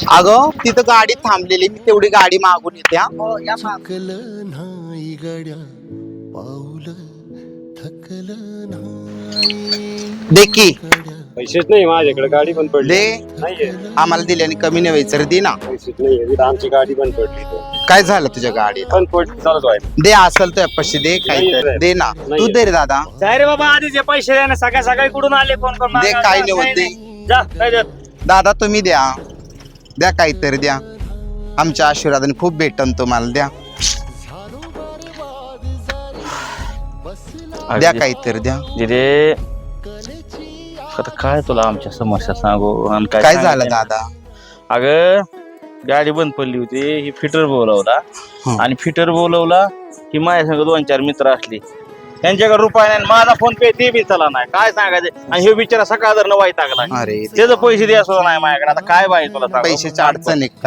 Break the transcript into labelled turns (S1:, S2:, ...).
S1: अगं तिथं गाडी थांबलेली, मी तेवढी गाडी मागून येते हा.
S2: हो या माग.
S3: थकलं नाही गड्या पाऊल थकलं नाही
S1: दे की
S4: पैसेच नाही माझ्याकडे, गाडी पण पडली
S1: दे.
S4: नाहीये.
S1: आम्हाला दिल्याने कमी नाही व्हायचं रे, दे ना.
S4: पैसेच नाही, आमची गाडी पण पडली
S1: काय झालं तुझ्या गाडीला?
S4: पण पडली चालत व्हायला.
S1: दे असेल तर पैसे दे, काही तर दे ना. तू दे रे दादा,
S5: काय रे बाबा, आधीचे पैसे द्या ना, सकाळ सकाळी कुठून आले फोन करून?
S1: दे, काय नाही होत, दे.
S5: जा काय देत.
S1: दादा तुम्ही द्या, द्या काहीतरी द्या. आमच्या आशीर्वादाने खूप भेटन तुम्हाला, द्या द्या काहीतरी द्या.
S6: दिदे आता काय तुला आमच्या समस्या सांगू आणि
S1: काय
S6: सांगायचं
S1: झालं
S6: नाही.
S1: दादा?
S6: अगं गाडी बंद पडली होती, ही फिटर बोलवला आणि फिटर बोलवला की माझ्या संग 2-4 मित्र असली, त्यांच्याकडे रुपया नाही, माझा फोन पे ते बी चला नाही. काय सांगायचं? आणि हे बिचारा सकाळ जर वाईट टाकला,
S1: अरे
S6: त्याचे पैसे द्या सुद्धा नाही माझ्याकडे. आता काय बाई तुला सांगू?
S1: पैशाची अडचण आहे.